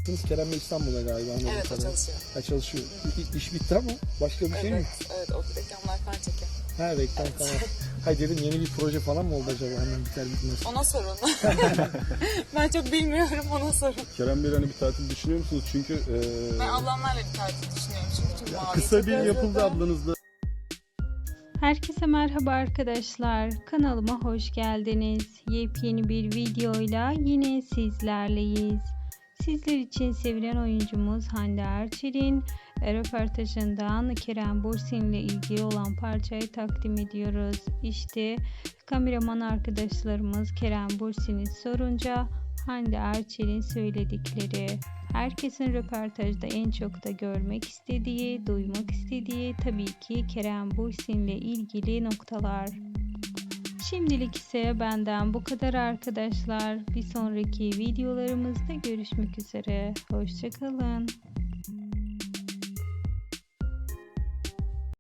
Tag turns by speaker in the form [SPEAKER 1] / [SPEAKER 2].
[SPEAKER 1] bıraktınız. Kerem Bey İstanbul'da galiba.
[SPEAKER 2] Evet, o çalışıyor.
[SPEAKER 1] Ha, çalışıyor. İş bitti ama başka bir şey mi?
[SPEAKER 2] Evet, o reklamlar falan çekiyor.
[SPEAKER 1] Ha, reklam falan. Hayır dedim, yeni bir proje falan mı oldu acaba, hemen biter bitmez.
[SPEAKER 2] Ona sorun. Ben çok bilmiyorum, ona sorun.
[SPEAKER 3] Kerem Bey, hani bir tatil düşünüyor musunuz? Çünkü
[SPEAKER 2] Ben ablamlarla bir tatil düşünüyorum çünkü mavi.
[SPEAKER 3] kısa bir yapıldı ablanızla.
[SPEAKER 4] Herkese merhaba arkadaşlar. Kanalıma hoş geldiniz. Yepyeni bir videoyla yine sizlerleyiz. Sizler için sevilen oyuncumuz Hande Erçel'in röportajından Kerem Bürsin ile ilgili olan parçayı takdim ediyoruz. İşte kameraman arkadaşlarımız Kerem Bürsin'i sorunca Hande Erçel'in söyledikleri. Herkesin röportajda en çok da görmek istediği, duymak istediği tabii ki Kerem Bürsin ile ilgili noktalar. Şimdilik ise benden bu kadar arkadaşlar. Bir sonraki videolarımızda görüşmek üzere. Hoşça kalın.